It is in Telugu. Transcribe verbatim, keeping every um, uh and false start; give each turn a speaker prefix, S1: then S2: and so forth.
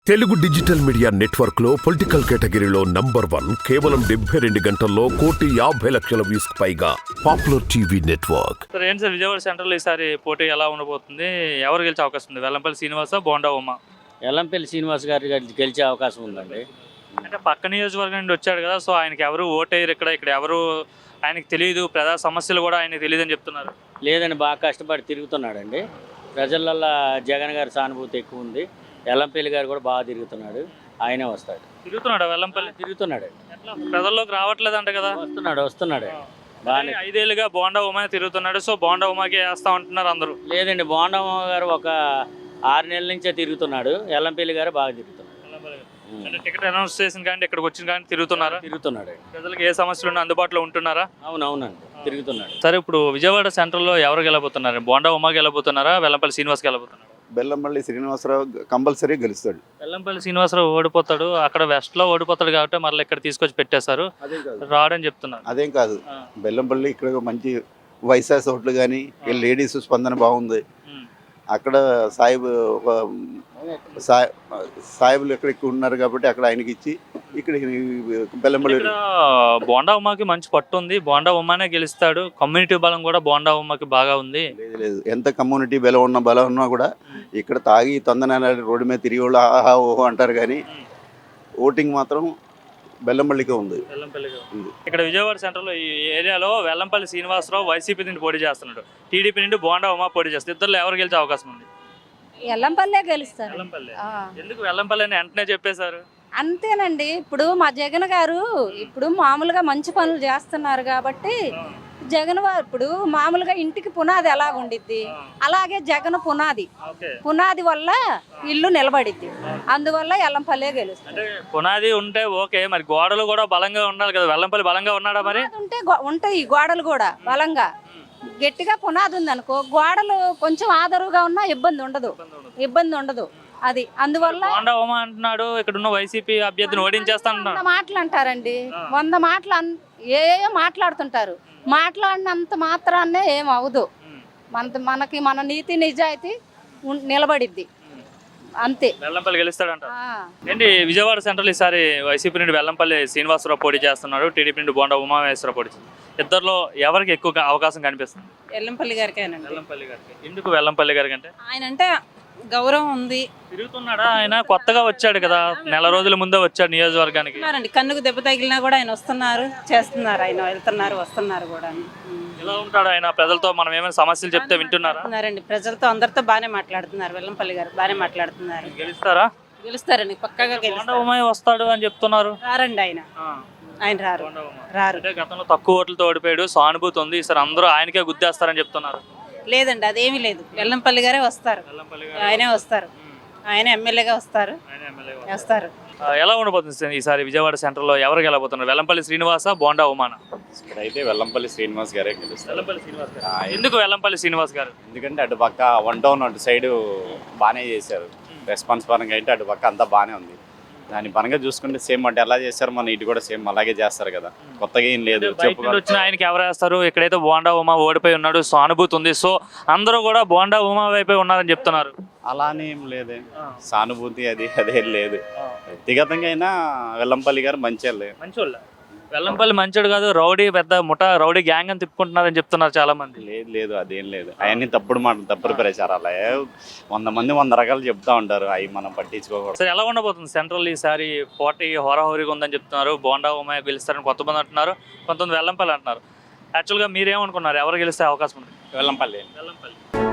S1: తెలుగు డిజిటల్ మీడియా నెట్వర్క్ లో పొలిటికల్ కేటగిరీలో నంబర్ వన్ కేవలం డెబ్బై రెండు గంటల్లో కోటి యాభై లక్షల వ్యూస్ పైగా పాపులర్ టీవీ నెట్వర్క్.
S2: సార్ ఏంటి సార్ విజయవాడ సెంట్రల్ ఈసారి పోటీ ఎలా ఉండబోతుంది? ఎవరు గెలిచే అవకాశం ఉంది? వెల్లంపల్లి శ్రీనివాస, బోండా ఉమా?
S3: వెల్లంపల్లి శ్రీనివాస్ గారి గెలిచే అవకాశం ఉందండి.
S2: అంటే పక్క నియోజకవర్గం నుండి వచ్చాడు కదా, సో ఆయనకి ఎవరు ఓటేయరు ఇక్కడ ఇక్కడ ఎవరు ఆయనకి తెలియదు, ప్రజా సమస్యలు కూడా ఆయనకి తెలియదు అని చెప్తున్నారు.
S3: లేదండి, బాగా కష్టపడి తిరుగుతున్నాడండి. ప్రజలల్లో జగన్ గారి సానుభూతి ఎక్కువ ఉంది. వెల్లంపల్లి గారు కూడా బాగా తిరుగుతున్నాడు, ఆయనే వస్తాడు.
S2: తిరుగుతున్నాడు వెల్లంపల్లి?
S3: తిరుగుతున్నాడు.
S2: ఎట్లా ప్రజల్లోకి రావట్లేదు అంట కదా?
S3: వస్తున్నాడు వస్తున్నాడు బాగానే.
S2: ఐదేళ్ళుగా బోండా ఉమా తిరుగుతున్నాడు, సో బోండా ఉమాకి వేస్తా ఉంటున్నారు అందరూ.
S3: లేదండి, బోండా గారు ఒక ఆరు నెలల నుంచే తిరుగుతున్నాడు. వెల్లంపల్లి గారు బాగా తిరుగుతున్నాడు.
S2: అంటే టికెట్ అనౌన్స్ చేసిన కానీ ఇక్కడికి వచ్చిన కానీ తిరుగుతున్నారా?
S3: తిరుగుతున్నాడు.
S2: ప్రజలకు ఏ సమస్యలు ఉన్నా అందుబాటులో ఉంటున్నారా?
S3: అవునవునండి, తిరుగుతున్నాడు.
S2: సరే, ఇప్పుడు విజయవాడ సెంట్రల్లో ఎవరు గెలబోతున్నారు? బోండా ఉమా గెలబోతున్నారా, వెల్లంపల్లి శ్రీనివాస్ గెలబోతున్నారు?
S4: బెల్లంపల్లి శ్రీనివాసరావు కంపల్సరీ గెలుస్తాడు.
S2: వెల్లంపల్లి శ్రీనివాసరావు ఓడిపోతాడు, అక్కడ వెస్ట్ లో ఓడిపోతాడు కాబట్టి మళ్ళీ ఇక్కడ తీసుకొచ్చి పెట్టేశారు, రాడని చెప్తున్నారు.
S4: అదేం కాదు, బెల్లంపల్లి ఇక్కడ మంచి వైశాస్ ఓట్లు కానీ లేడీస్ స్పందన బాగుంది. అక్కడ సాయిబు సాయి సాయిబులు ఎక్కడ ఎక్కువ ఉన్నారు కాబట్టి అక్కడ ఆయనకి ఇచ్చి ఇక్కడ బెల్లంపల్లి.
S2: బోండా ఉమాకి మంచి పట్టు ఉంది, బోండా ఉమానే గెలుస్తాడు. కమ్యూనిటీ బలం కూడా బోండా ఉమాకి బాగా ఉంది.
S4: లేదు లేదు, ఎంత కమ్యూనిటీ బలం ఉన్న బలం ఉన్నా కూడా ఇక్కడ తాగి తొందర రోడ్డు మీద తిరిగి వాళ్ళు ఆహా ఓహో అంటారు, కానీ ఓటింగ్ మాత్రం బెల్లంపల్లికే ఉంది.
S2: ఇక్కడ విజయవాడ సెంటర్ లో ఈ ఏరియాలో వెల్లంపల్లి శ్రీనివాసరావు వైసీపీ నుండి పోటీ చేస్తున్నాడు, టీడీపీ నుండి బోండా ఉమా పోటీ చేస్తారు. ఇద్దరు ఎవరు గెలిచే అవకాశం ఉంది?
S5: వెల్లంపల్లే గెలుస్తారు.
S2: ఎందుకు వెల్లంపల్లి అని వెంటనే చెప్పేశారు?
S5: అంతేనండి, ఇప్పుడు మా జగన్ గారు ఇప్పుడు మామూలుగా మంచి పనులు చేస్తున్నారు కాబట్టి జగన్ వారు ఇప్పుడు మామూలుగా ఇంటికి పునాది ఎలా ఉండిద్ది, అలాగే జగన్ పునాది పునాది వల్ల ఇల్లు నిలబడిద్ది. అందువల్ల వెల్లంపల్లే గెలుస్తుంది.
S2: అంటే పునాది ఉంటే ఓకే, మరి గోడలు కూడా బలంగా ఉండాలి కదా. వెల్లంపల్లి బలంగా ఉన్నాడా? మరి
S5: ఉంటే ఉంటాయి గోడలు కూడా బలంగా, గట్టిగా పునాది ఉంది అనుకో, గోడలు కొంచెం ఆదరుగా ఉన్నా ఇబ్బంది ఉండదు ఇబ్బంది ఉండదు అది. అందువల్ల
S2: బోండా ఉమా అంటున్నాడు ఇక్కడ ఉన్న వైసీపీ అభ్యర్థిని ఓడించేస్తా
S5: వంద మాటలు అంటారండి, వంద మాటలు ఏ మాట్లాడుతుంటారు. మాట్లాడినంత మాత్రాన్నే ఏం అవదు. మన మనకి మన నీతి నిజాయితీ నిలబడిద్ది అంతే.
S2: వెల్లంపల్లి గెలుస్తాడంట. ఏంటి విజయవాడ సెంట్రల్ ఈసారి వైసీపీ నుండి వెల్లంపల్లి శ్రీనివాసరావు పోటీ చేస్తున్నాడు, టీడీపీ నుండి బోండా ఉమామహేశ్వరరావు పోటీ చేస్తున్నారు. ఇద్దరులో ఎవరికి ఎక్కువ అవకాశం కనిపిస్తుంది?
S6: వెల్లంపల్లి గారికి.
S2: వెల్లంపల్లి గారికి. ఎందుకు వెల్లంపల్లి గారికి అంటే?
S6: ఆయన అంటే గౌరవం ఉంది.
S2: తిరుగుతున్నాడా ఆయన? కొత్తగా వచ్చాడు కదా, నెల రోజుల ముందే వచ్చాడు నియోజకవర్గానికి.
S6: కన్నుకు దెబ్బ తగిలినా కూడా ఆయన వస్తున్నారు, చేస్తున్నారు, ఆయన వెళ్తున్నారు వస్తున్నారు కూడా.
S2: ఎలా ఉంటాడు ఆయన? ప్రజలతో మనం ఏమైనా సమస్యలు చెప్తే వింటున్నారా?
S6: ఉన్నారండి, ప్రజలతో అందరితో బాగానే మాట్లాడుతున్నారు. వెల్లంపల్లి గారు బాగానే మాట్లాడుతున్నారు.
S2: గెలుస్తారా?
S6: గెలుస్తారండి, పక్కాగా గెలుస్తారు.
S2: వస్తాడు అని చెప్తున్నారు.
S6: రారండి ఆయన ఆయన రారు రారు
S2: అంటే గతంలో తక్కువ ఓట్లతో ఓడిపోయాడు, సానుభూతి ఉంది, ఈసారి అందరూ ఆయనకే గుద్దేస్తారని చెప్తున్నారు.
S6: లేదండి, అదేమీ లేదు. వెల్లంపల్లి గారే వస్తారు, ఆయనే వస్తారు, ఆయన ఎమ్మెల్యేగా వస్తారు వస్తారు.
S2: ఎలా ఉండబోతుంది ఈసారి విజయవాడ సెంటర్ లో? ఎవరు గెలబోతున్నారు? వెల్లంపల్లి శ్రీనివాస, బోండా ఉమానా?
S7: అయితే వెల్లంపల్లి శ్రీనివాస్ గారే గెలుస్తారు.
S2: ఎందుకు వెల్లంపల్లి శ్రీనివాస్ గారు?
S7: ఎందుకంటే అటు పక్క వన్ టౌన్ అటు సైడ్ బాగానే చేశారు, రెస్పాన్స్ పరంగా అయితే అటు పక్క అంతా బాగానే ఉంది. దాని పరంగా చూసుకుంటే సేమ్ అంటే ఎలా చేస్తారు మన ఇటు కూడా సేమ్ అలాగే చేస్తారు కదా, కొత్తగా ఏం లేదు.
S2: వచ్చిన ఆయనకి ఎవరు వేస్తారు? ఇక్కడైతే బోండా ఉమా ఓడిపోయి ఉన్నాడు, సానుభూతి ఉంది, సో అందరూ కూడా బోండా ఉమా వైపే ఉన్నారని చెప్తున్నారు.
S7: అలానే ఏం లేదే, సానుభూతి అది అదేం లేదు. వ్యక్తిగతంగా అయినా వెల్లంపల్లి గారు మంచి
S2: మంచోళ్ళ. వెల్లంపల్లి మంచోడు కాదు, రౌడీ పెద్ద ముఠా రౌడీ గ్యాంగ్ అని తిప్పుకుంటున్నారని చెప్తున్నారు చాలా మంది.
S7: లేదు లేదు, అదేం లేదు. అవన్నీ తప్పుడు మాట, తప్పుడు ప్రచారాలు. వంద మంది వంద రకాలు చెప్తా ఉంటారు, అవి మనం పట్టించుకోకూడదు.
S2: సరే, ఎలా ఉండబోతుంది సెంట్రల్ ఈసారి పోటీ? హోరాహోరీగా ఉందని చెప్తున్నారు. బోండా ఉమా గెలుస్తారని కొంతమంది అంటున్నారు, కొంతమంది వెల్లంపల్లి అంటున్నారు. యాక్చువల్గా మీరేమనుకున్నారు, ఎవరు గెలిస్తే అవకాశం ఉంది?
S7: వెల్లంపల్లి.
S2: వెల్లంపల్లి